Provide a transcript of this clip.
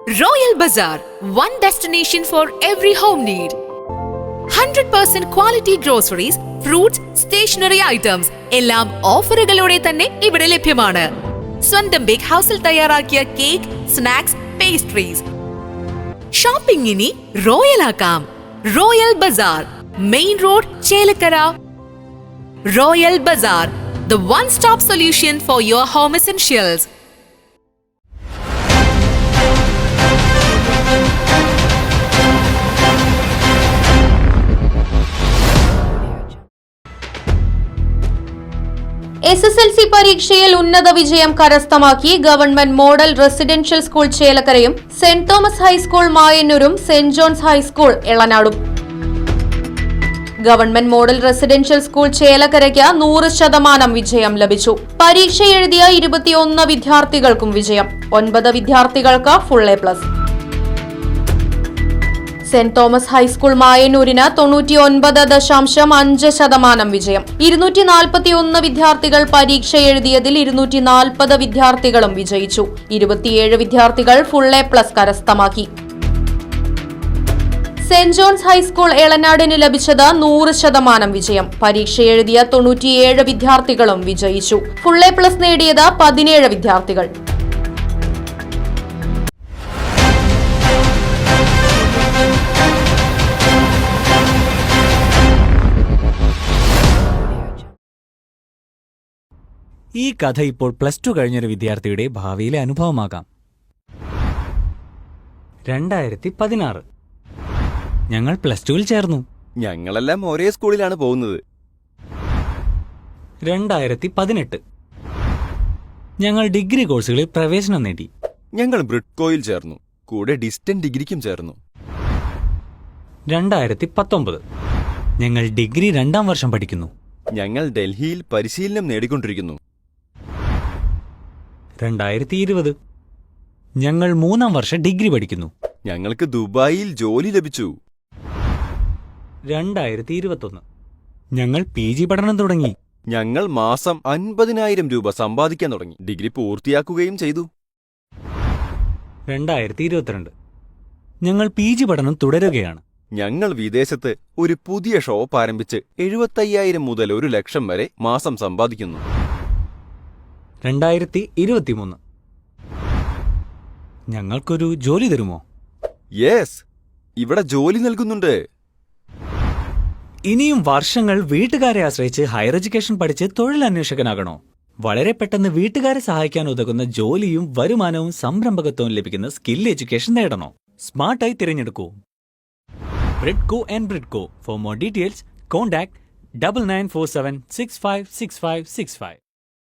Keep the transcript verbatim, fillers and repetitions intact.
Royal Bazaar, one destination for every home need. one hundred percent quality groceries, fruits, stationery items എല്ലാം ഓഫറുകളോടെ തന്നെ ഇവിടെ ലഭ്യമാണ്. സ്വന്തം bake ഹൗസിൽ തയ്യാറാക്കിയ കേക്ക്, സ്നാക്സ്, പേസ്ട്രീസ്. ഷോപ്പിംഗ് ഇനി റോയൽ ആക്കാം. Royal Bazaar, main road, Chelakkara. Royal Bazaar, the one-stop solution for your home essentials. S S L C പരീക്ഷയിൽ ഉന്നത വിജയം കരസ്ഥമാക്കി ഗവൺമെന്റ് മോഡൽ റെസിഡൻഷ്യൽ സ്കൂൾ ചേലക്കരയും സെന്റ് തോമസ് ഹൈസ്കൂൾ മായന്നൂരും സെന്റ് ജോൺസ് ഹൈസ്കൂൾ എളനാടും. Government model residential school ചേലക്കരയ്ക്ക് നൂറ് ശതമാനം വിജയം ലഭിച്ചു. പരീക്ഷ എഴുതിയ ഇരുപത്തിയൊന്ന് വിദ്യാർത്ഥികൾക്കും വിജയം. ഒൻപത് വിദ്യാർത്ഥികൾക്ക് full A plus. Saint Thomas high school മായന്നൂരിന് തൊണ്ണൂറ്റിയൊൻപത് ദശാംശം അഞ്ച് ശതമാനം വിജയം. ഇരുന്നൂറ്റി നാൽപ്പത്തിയൊന്ന് വിദ്യാർത്ഥികൾ പരീക്ഷ എഴുതിയതിൽ ഇരുന്നൂറ്റി നാൽപ്പത് വിദ്യാർത്ഥികളും വിജയിച്ചു. ഇരുപത്തിയേഴ് വിദ്യാർത്ഥികൾ ഫുൾ എ പ്ലസ് കരസ്ഥമാക്കി. സെന്റ് ജോൺസ് ഹൈസ്കൂൾ എളനാടിന് ലഭിച്ചത് നൂറ് ശതമാനം വിജയം. പരീക്ഷ എഴുതിയ തൊണ്ണൂറ്റിയേഴ് വിദ്യാർത്ഥികളും വിജയിച്ചു. ഫുൾ എ പ്ലസ് നേടിയത് പതിനേഴ് വിദ്യാർത്ഥികൾ. ഈ കഥ ഇപ്പോൾ പ്ലസ് ടു കഴിഞ്ഞൊരു വിദ്യാർത്ഥിയുടെ ഭാവിയിലെ അനുഭവമാകാം. രണ്ടായിരത്തി പതിനാറ് ഞങ്ങൾ പ്ലസ് ടുവിൽ ചേർന്നു. ഞങ്ങളെല്ലാം ഒരേ സ്കൂളിലാണ് പോകുന്നത്. രണ്ടായിരത്തി പതിനെട്ട് ഞങ്ങൾ ഡിഗ്രി കോഴ്സുകളിൽ പ്രവേശനം നേടി. ഞങ്ങൾ ബ്രിഡ്കോയിൽ ചേർന്നു. കൂടെ ഡിസ്റ്റന്റ് ഡിഗ്രിക്കും ചേർന്നു. രണ്ടായിരത്തി പത്തൊമ്പത് ഞങ്ങൾ ഡിഗ്രി രണ്ടാം വർഷം പഠിക്കുന്നു. ഞങ്ങൾ ഡൽഹിയിൽ പരിശീലനം നേടിക്കൊണ്ടിരിക്കുന്നു. രണ്ടായിരത്തി ഇരുപത് ഞങ്ങൾ മൂന്നാം വർഷം ഡിഗ്രി പഠിക്കുന്നു. ഞങ്ങൾക്ക് ദുബായിൽ ജോലി ലഭിച്ചു. രണ്ടായിരത്തി ഇരുപത്തൊന്ന് ഞങ്ങൾ പി ജി പഠനം തുടങ്ങി. ഞങ്ങൾ മാസം അൻപതിനായിരം രൂപ സമ്പാദിക്കാൻ തുടങ്ങി. ഡിഗ്രി പൂർത്തിയാക്കുകയും ചെയ്തു. രണ്ടായിരത്തി ഇരുപത്തിരണ്ട് ഞങ്ങൾ പി ജി പഠനം തുടരുകയാണ്. ഞങ്ങൾ വിദേശത്ത് ഒരു പുതിയ ഷോപ്പ് ആരംഭിച്ച് എഴുപത്തയ്യായിരം മുതൽ ഒരു ലക്ഷം വരെ മാസം സമ്പാദിക്കുന്നു. രണ്ടായിരത്തി ഇരുപത്തിമൂന്ന് ഞങ്ങൾക്കൊരു ജോലി തരുമോ? യെസ്, ഇവിടെ ജോലി നൽകുന്നുണ്ട്. ഇനിയും വർഷങ്ങൾ വീട്ടുകാരെ ആശ്രയിച്ച് ഹയർ എഡ്യൂക്കേഷൻ പഠിച്ച് തൊഴിലന്വേഷകനാകണോ? വളരെ പെട്ടെന്ന് വീട്ടുകാരെ സഹായിക്കാൻ ഉതകുന്ന ജോലിയും വരുമാനവും സംരംഭകത്വവും ലഭിക്കുന്ന സ്കിൽ എഡ്യൂക്കേഷൻ നേടണോ? സ്മാർട്ടായി തിരഞ്ഞെടുക്കൂ Bridco and Bridco. For more details contact double nine four seven six five six five six five.